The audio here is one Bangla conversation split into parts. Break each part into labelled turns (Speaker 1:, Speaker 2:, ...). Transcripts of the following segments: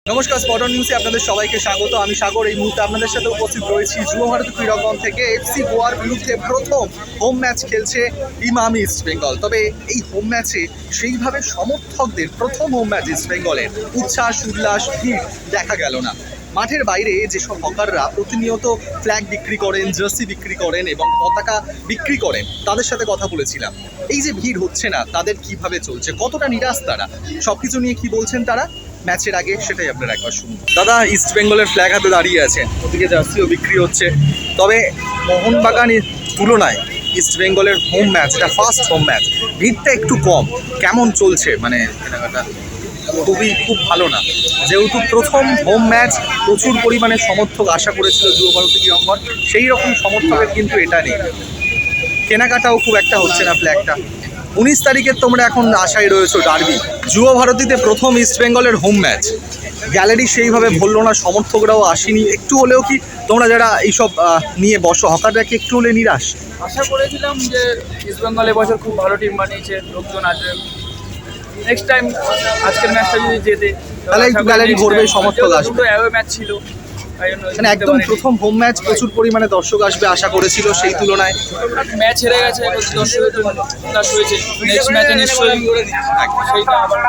Speaker 1: নমস্কার, স্পটন নিউজে আপনাদের সবাইকে স্বাগত। আমি সাগর। এই মুহূর্তে আপনাদের সাথে উপস্থিত রয়েছি যুব ভারতী ক্রীড়াঙ্গন থেকে। এফসি গোয়ার বিরুদ্ধে প্রথম হোম ম্যাচ খেলছে ইমামি ইস্ট বেঙ্গল। তবে এই হোম ম্যাচে সেইভাবে সমর্থকদের প্রথম হোম ম্যাচ ইস্ট বেঙ্গলের উচ্ছ্বাস উল্লাস ভিড় দেখা গেল না। মাঠের বাইরে যেসব হকাররা প্রতিনিয়ত ফ্ল্যাগ বিক্রি করেন, জার্সি বিক্রি করেন এবং পতাকা বিক্রি করেন, তাদের সাথে কথা বলেছিলাম। এই যে ভিড় হচ্ছে না, তাদের কিভাবে চলছে, কতটা নিরাশ তারা, সবকিছু নিয়ে কি বলছেন তারা ম্যাচের আগে, সেটাই আপনারা একবার শুনুন। দাদা, ইস্ট বেঙ্গলের ফ্ল্যাগ হাতে দাঁড়িয়ে আছেন, ওদিকে জার্সিও বিক্রি হচ্ছে। তবে মোহনবাগানের তুলনায় ইস্ট বেঙ্গলের হোম ম্যাচ, এটা ফার্স্ট হোম ম্যাচ, ভিড়টা একটু কম। কেমন চলছে মানে কেনাকাটা? খুব ভালো না, যেহেতু প্রথম হোম ম্যাচ প্রচুর পরিমাণে সমর্থক আশা করেছিল যুব ভারতী ক্রীড়াঙ্গন, সেই রকম সমর্থকের কিন্তু এটা নেই। কেনাকাটাও খুব একটা হচ্ছে না ফ্ল্যাগটা। 19 তারিখের তোমরা এখন আশায় রয়েছো ডার্বি। যুব ভারতীতে প্রথম ইস্ট বেঙ্গলের হোম ম্যাচ, গ্যালারি সেইভাবে ভরলো না, সমর্থকরাও আসেনি। একটু হলেও কি তোমরা যারা এইসব নিয়ে বসো, হকাররা কি একটু হলে নিরাশ?
Speaker 2: আশা করেছিলাম যে ইস্ট বেঙ্গল এবছর খুব ভালো টিম বানিয়েছে, লোকজন আসবে। নেক্সট টাইম আজকের ম্যাচটা যদি জেতে
Speaker 1: তাহলে একটু গ্যালারি ভরবে, সমর্থক আসবে।
Speaker 2: দুটো অ্যাওয়ে ম্যাচ ছিল,
Speaker 1: মানে একদম প্রথম হোম ম্যাচ, প্রচুর পরিমাণে দর্শক আসবে আশা করেছিল, সেই তুলনায়
Speaker 2: ম্যাচ হেরে গেছে, দর্শকের জন্য উল্লাস হয়েছে। নেক্সট ম্যাচে নিশ্চয়ই সেইটা আবার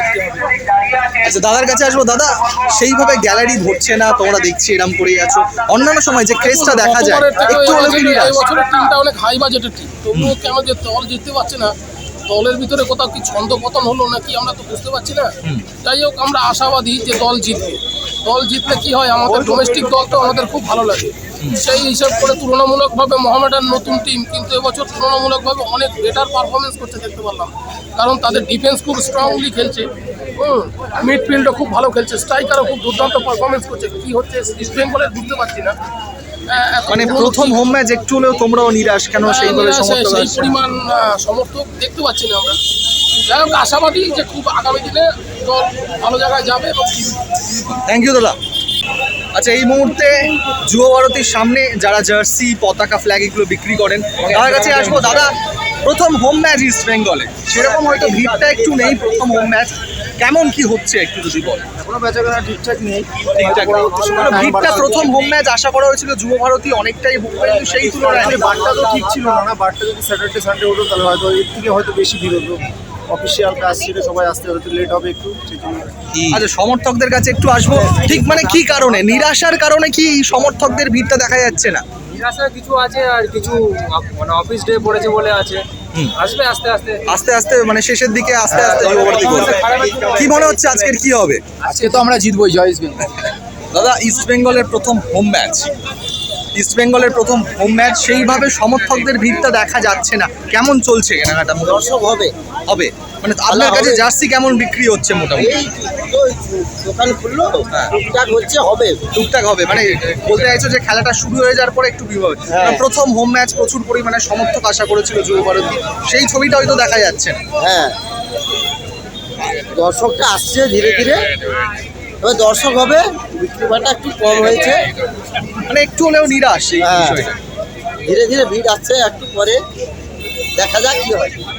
Speaker 1: আচ্ছা, দাদার কাছে আসবো। দাদা, সেইভাবে গ্যালারি ভরছে না, তোমরা দেখছি এরকম করেই আছো। অন্যান্য সময় যে ক্রেজটা দেখা যায়, একটু হলেও কি নিরাশ?
Speaker 3: এবছরের টিমটা অনেক হাই বাজেটের টিম, তবুও কেন যে দল জিততে পারছে না, দলের ভিতরে কোথাও কি ছন্দ পতন হলো নাকি আমরা তো বুঝতে পারছি না। যাই হোক, আমরা আশাবাদী যে দল জিতবে। দল জিতলে কি হয়, আমাদের ডোমেস্টিক দল তো আমাদের খুব ভালো লাগে। সেই হিসাব করে তুলনামূলকভাবে মোহামেডান নতুন টিম, কিন্তু এবছর তুলনামূলকভাবে অনেক বেটার পারফরমেন্স করতে দেখতে পারলাম। কারণ তাদের ডিফেন্স খুব স্ট্রংলি খেলছে, মিডফিল্ডও খুব ভালো খেলছে, স্ট্রাইকারও খুব দুর্দান্ত পারফরমেন্স করছে। কি হচ্ছে ইস্ট বেঙ্গলের বুঝতে পারছি না।
Speaker 1: মানে প্রথম হোম ম্যাচ একটু হলেও তোমরাও নিরাশ কেন? সেইভাবে সমর্থক
Speaker 3: সেই
Speaker 1: আসছে?
Speaker 3: পরিমাণ সমর্থক দেখতে পাচ্ছি না আমরা। যাই হোক, আশাবাদী যে খুব আগামী দিনে দল ভালো জায়গায় যাবে।
Speaker 1: থ্যাংক ইউ দাদা। আচ্ছা, এই মুহূর্তে যুব ভারতীর সামনে যারা জার্সি, পতাকা, ফ্ল্যাগ এগুলো বিক্রি করেন, তার কাছে আসবো। দাদা, প্রথম হোম ম্যাচ ইস্ট বেঙ্গলে, সেরকম হয়তো ভিড়টা একটু নেই। প্রথম হোম ম্যাচ কেমন কি হচ্ছে একটু যদি বলেন।
Speaker 4: কোনো বেচাকেনা ঠিকঠাক নেই,
Speaker 1: ঠিকঠাক নেই। ভিড়টা প্রথম হোম ম্যাচ আশা করা হয়েছিল যুব ভারতী অনেকটাই বুক, কিন্তু সেই তুলনায়
Speaker 4: বারটা তো ঠিক ছিল না। বারটা যদি স্যাটারডে সানডে হতো তাহলে হয়তো এর থেকে হয়তো বেশি ভিড় হতো। অফিসিয়াল কাজ ছিল, সবাই আসতে হয়তো লেট হবে একটু, সেই জন্য।
Speaker 1: আচ্ছা, সমর্থকদের কাছে একটু আসবো। ঠিক মানে কি কারণে, নিরাশার কারণে কি সমর্থকদের ভিড়টা দেখা যাচ্ছে না?
Speaker 2: নিরাশা কিছু আছে, আর কিছু মানে অফিস ডে পড়েছে বলে আছে। আসবে আস্তে আস্তে
Speaker 1: আস্তে আস্তে, মানে শেষের দিকে আস্তে আস্তে যুব ভারতী করবে। কি মনে হচ্ছে আজকের কি হবে?
Speaker 3: আজকে তো আমরা জিতবই, জয় ইস্ট বেঙ্গল।
Speaker 1: দাদা, ইস্ট বেঙ্গলের প্রথম হোম ম্যাচ, ইস্ট বেঙ্গলের প্রথম হোম ম্যাচ, সেইভাবে সমর্থকদের ভিড়টা দেখা যাচ্ছে না। কেমন চলছে কেনাকাটা?
Speaker 4: দর্শক হবে
Speaker 1: হবে মানে আপনার কাছে জার্সি কেমন বিক্রি হচ্ছে? মোটামুটি
Speaker 4: এই তো দোকান খুললো, টুকটাক হচ্ছে, হবে
Speaker 1: টুকটাক হবে। মানে বলতে চাইছো যে খেলাটা শুরু হয়ে যাওয়ার পরে একটু ভিড় হবে।
Speaker 4: হ্যাঁ।
Speaker 1: প্রথম হোম ম্যাচ, প্রচুর পরিমাণে সমর্থক আশা করেছিল যুব ভারতী, সেই ছবিটা হয়তো দেখা যাচ্ছে না।
Speaker 4: হ্যাঁ, দর্শকটা আসছে ধীরে ধীরে, তবে দর্শক হবে, বিক্রি বাটা একটু কম হয়েছে,
Speaker 1: মানে একটু হলেও নিরাশ এই
Speaker 4: হ্যাঁ।
Speaker 1: বিষয়টা।
Speaker 4: ধীরে ধীরে ভিড় আসছে, একটু পরে দেখা যাক কি হয়।